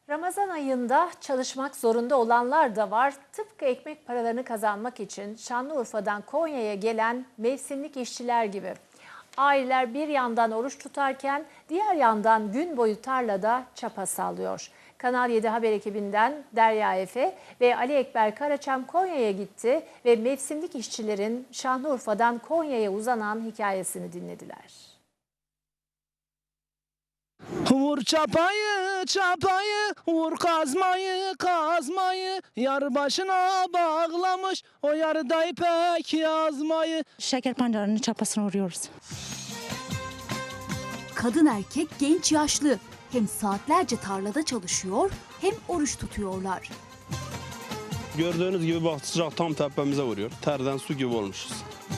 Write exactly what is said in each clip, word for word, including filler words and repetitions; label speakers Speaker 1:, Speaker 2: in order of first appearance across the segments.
Speaker 1: Ramazan ayında çalışmak zorunda olanlar da var. Tıpkı ekmek paralarını kazanmak için Şanlıurfa'dan Konya'ya gelen mevsimlik işçiler gibi. Aileler bir yandan oruç tutarken diğer yandan gün boyu tarlada çapa sallıyor. Kanal yedi haber ekibinden Derya Efe ve Ali Ekber Karaçam Konya'ya gitti ve mevsimlik işçilerin Şanlıurfa'dan Konya'ya uzanan hikayesini dinlediler.
Speaker 2: Vur çapayı çapayı, vur kazmayı kazmayı, yar başına bağlamış o yarda ipek yazmayı.
Speaker 3: Şeker pancarının çapasını vuruyoruz.
Speaker 4: Kadın erkek genç yaşlı hem saatlerce tarlada çalışıyor hem oruç tutuyorlar.
Speaker 5: Gördüğünüz gibi bak sıcak tam tepemize vuruyor. Terden su gibi olmuşuz.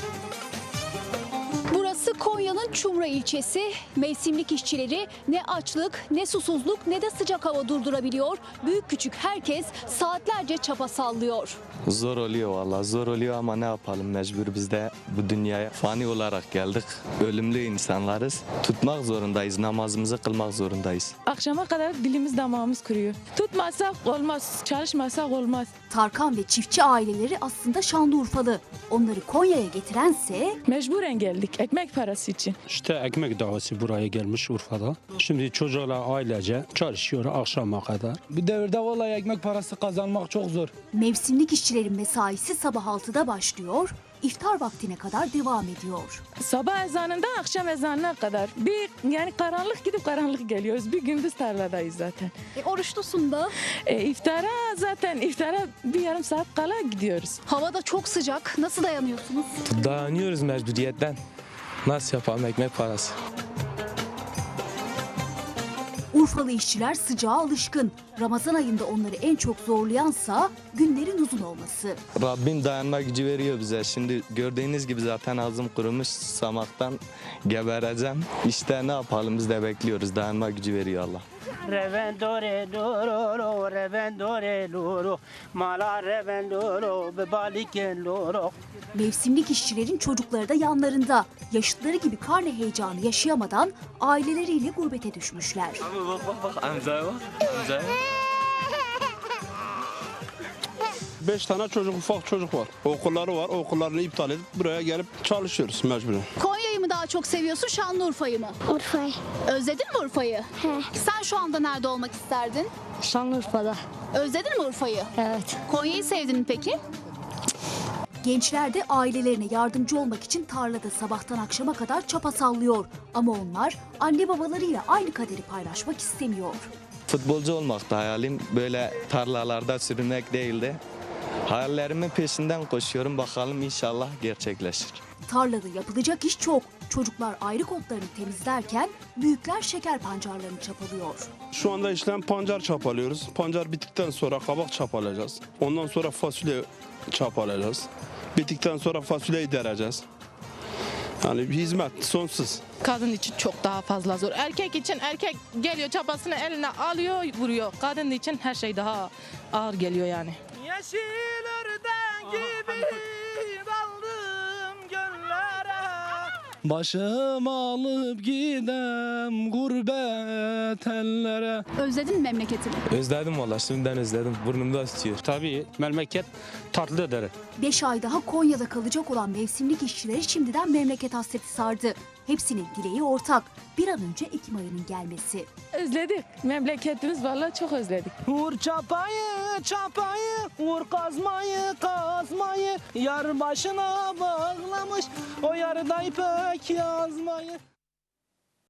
Speaker 6: Burası Konya'nın Çumra ilçesi. Mevsimlik işçileri ne açlık, ne susuzluk, ne de sıcak hava durdurabiliyor. Büyük küçük herkes saatlerce çapa sallıyor.
Speaker 7: Zor oluyor vallahi zor oluyor ama ne yapalım, mecbur biz de bu dünyaya fani olarak geldik. Ölümlü insanlarız. Tutmak zorundayız, namazımızı kılmak zorundayız.
Speaker 8: Akşama kadar dilimiz damağımız kuruyor. Tutmazsak olmaz, çalışmazsak olmaz.
Speaker 4: Tarkan ve çiftçi aileleri aslında Şanlıurfalı. Onları Konya'ya getirense
Speaker 8: Mecburen geldik ekmek parası için.
Speaker 9: İşte ekmek davası buraya gelmiş Urfa'da. Şimdi çocuklar ailece çalışıyor akşama kadar.
Speaker 2: Bu devirde vallahi ekmek parası kazanmak çok zor.
Speaker 4: mevsimlik işçilerin mesaisi sabah altıda başlıyor, iftar vaktine kadar devam ediyor.
Speaker 8: Sabah ezanından akşam ezanına kadar bir yani karanlık gidip karanlık geliyoruz. Bir gündüz tarladayız zaten.
Speaker 6: E, oruçlusun da.
Speaker 8: E, iftara zaten iftara bir yarım saat kala gidiyoruz.
Speaker 6: Hava da çok sıcak. Nasıl dayanıyorsunuz?
Speaker 10: Dayanıyoruz mecburiyetten. Nasıl yapalım ekmek parası?
Speaker 4: Urfalı işçiler sıcağa alışkın. Ramazan ayında onları en çok zorlayansa günlerin uzun olması.
Speaker 7: Rabbim dayanma gücü veriyor bize. Şimdi gördüğünüz gibi zaten ağzım kurumuş, susamaktan gebereceğim. İşte ne yapalım, biz de bekliyoruz. Dayanma gücü veriyor Allah.
Speaker 2: Revendore loro, revendore loro, mala revendoro, bebaliken loro.
Speaker 4: Mevsimlik işçilerin çocukları da yanlarında. Yaşıtları gibi karne heyecanı yaşayamadan aileleriyle gurbete düşmüşler.
Speaker 7: Abi bak bak bak, amcaya bak, amcaya.
Speaker 5: Beş tane çocuk, ufak çocuk var. Okulları var. Okullarını iptal edip buraya gelip çalışıyoruz mecburen.
Speaker 6: Konya'yı mı daha çok seviyorsun, Şanlıurfa'yı mı?
Speaker 11: Urfa'yı.
Speaker 6: Özledin mi Urfa'yı?
Speaker 11: He.
Speaker 6: Sen şu anda nerede olmak isterdin?
Speaker 3: Şanlıurfa'da.
Speaker 6: Özledin mi Urfa'yı?
Speaker 3: Evet.
Speaker 6: Konya'yı sevdin mi peki?
Speaker 4: Gençler de ailelerine yardımcı olmak için tarlada sabahtan akşama kadar çapa sallıyor. Ama onlar anne babalarıyla aynı kaderi paylaşmak istemiyor.
Speaker 7: Futbolcu olmak da hayalim, böyle tarlalarda sürünmek değildi. Hayallerimin peşinden koşuyorum, bakalım inşallah gerçekleşir.
Speaker 4: Tarlada yapılacak iş çok. Çocuklar ayrık otlarını temizlerken büyükler şeker pancarlarını çapalıyor.
Speaker 5: Şu anda işlem pancar çapalıyoruz. Pancar bittikten sonra kabak çapalayacağız. Ondan sonra fasulye çapalayacağız. Bittikten sonra fasulyeyi dereceğiz. Yani hizmet sonsuz.
Speaker 8: Kadın için çok daha fazla zor. Erkek için erkek geliyor çapasını eline alıyor vuruyor. Kadın için her şey daha ağır geliyor yani.
Speaker 2: Yeşil örden gibi daldım göllere. Başım alıp gidem gurbet ellere.
Speaker 6: Özledin mi memleketini?
Speaker 10: Özledim vallahi, şimdiden özledim. Burnumda tutuyor.
Speaker 9: Tabii memleket tatlıdır.
Speaker 4: Beş ay daha Konya'da kalacak olan mevsimlik işçileri şimdiden memleket hasreti sardı. Hepsinin dileği ortak. Bir an önce Ekim ayının gelmesi.
Speaker 8: Özledik. Memleketimiz vallahi çok özledik.
Speaker 2: Vur çapayı çapayı, vur kazmayı kazmayı, yar başına bağlamış o yarda ipek yazmayı.